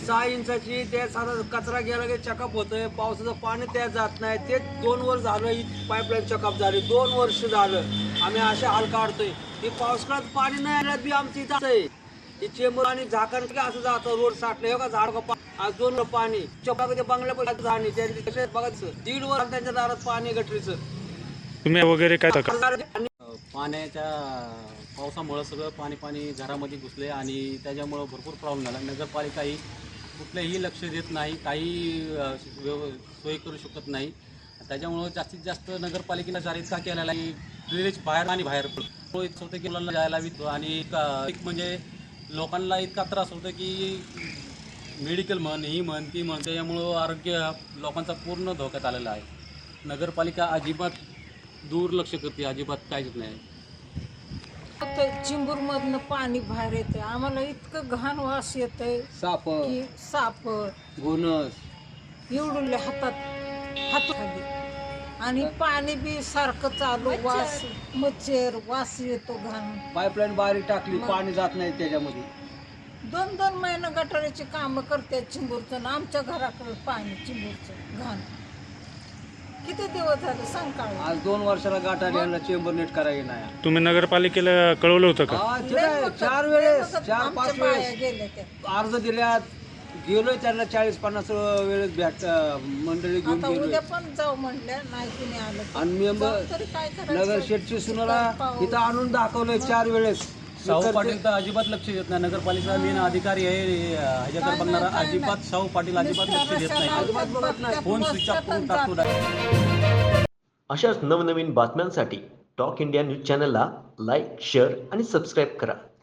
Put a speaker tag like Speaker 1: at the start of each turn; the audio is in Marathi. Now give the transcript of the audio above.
Speaker 1: 6 इंचाची ते सारा कचरा गेला की चकअप होतंय, पावसाचं पाणी त्यात जात नाही. ते 2 वर्ष झालं ही पाईपलाईन चकअप झाली, 2 वर्ष झालं आम्ही असे हाल काढतोय. ही पावसाळ्यात पाणी नाही आल्यात बी आमची इथं आहे. ही चेंबर आणि झाकण असं जातं, रोड साठलं हे का झाड आज 2 पाणी चपा ते बंगल्यापासून जाणी त्यांनी बघायचं 1.5 वर्ष त्यांच्या दारात पाणी गटरीचं.
Speaker 2: तुम्ही वगैरे काय
Speaker 3: पाण्याच्या पावसामुळं सगळं पाणी घरामध्ये घुसले आणि त्याच्यामुळं भरपूर प्रॉब्लेम झाला. नगरपालिका ही कुठलंही लक्ष देत नाही, काही सोय करू शकत नाही. त्याच्यामुळं जास्तीत जास्त नगरपालिकेला जाहीर का केलेला आहे, ड्रेनेज बाहेर आणि बाहेर पडतो. इतकं होतं की मुलांना जायला वितो आणि एक म्हणजे लोकांना इतका त्रास होतो की मेडिकल म्हण ही म्हण ती म्हण, त्याच्यामुळं आरोग्य लोकांचा पूर्ण धोक्यात आलेला आहे. नगरपालिका अजिबात दुर्लक्ष करते, अजिबात काहीच नाही.
Speaker 4: चिंबूरमधनं पाणी बाहेर येते, आम्हाला इतकं घाण वास येतंय, साप
Speaker 1: घोणस
Speaker 4: एवढुले हात खाली आणि पाणी बी सारखं चालू, वास मच्छर वास येतो घाण.
Speaker 1: पाईपलाईन बारीक टाकली, पाणी जात नाही त्याच्यामध्ये.
Speaker 4: 2-2 महिने गटाराची कामं करते चिंबूरचं ना आमच्या घराकडे पाणी चिंबूरचं घाण. किती दिवस झाले सांग का?
Speaker 1: आज 2 वर्षाला गाठा घ्यायला चेंबर नीट करायला नाही.
Speaker 2: तुम्ही नगरपालिकेला कळवलं होतं का?
Speaker 1: 4 वेळेस 4-5 वेळेस
Speaker 4: गेले ते
Speaker 1: अर्ज दिल्यात, गेलोय त्यांना 40-50 वेळेस भेट मंडळी घेऊन
Speaker 4: आता
Speaker 1: गेलोय.
Speaker 4: उद्या पण जाऊ म्हणल्या, नाही कुणी आलं
Speaker 1: आणि मेंबर
Speaker 4: तरी काय करायचं?
Speaker 1: नगर शेठची सुनाला इथं आणून दाखवलंय 4 वेळेस.
Speaker 3: शाहू पाटील तर अजिबात लक्ष देत नाही. नगरपालिका मेन अधिकारी आहे ह्याच्याकडे बघणारा, अजिबात शाहू पाटील अजिबात लक्ष देत नाही. फोन स्विच ऑफ करून टाकतो.
Speaker 5: अशाच नवनवीन बातम्यांसाठी टॉक इंडिया न्यूज चॅनलला लाईक, शेअर आणि सबस्क्राईब करा.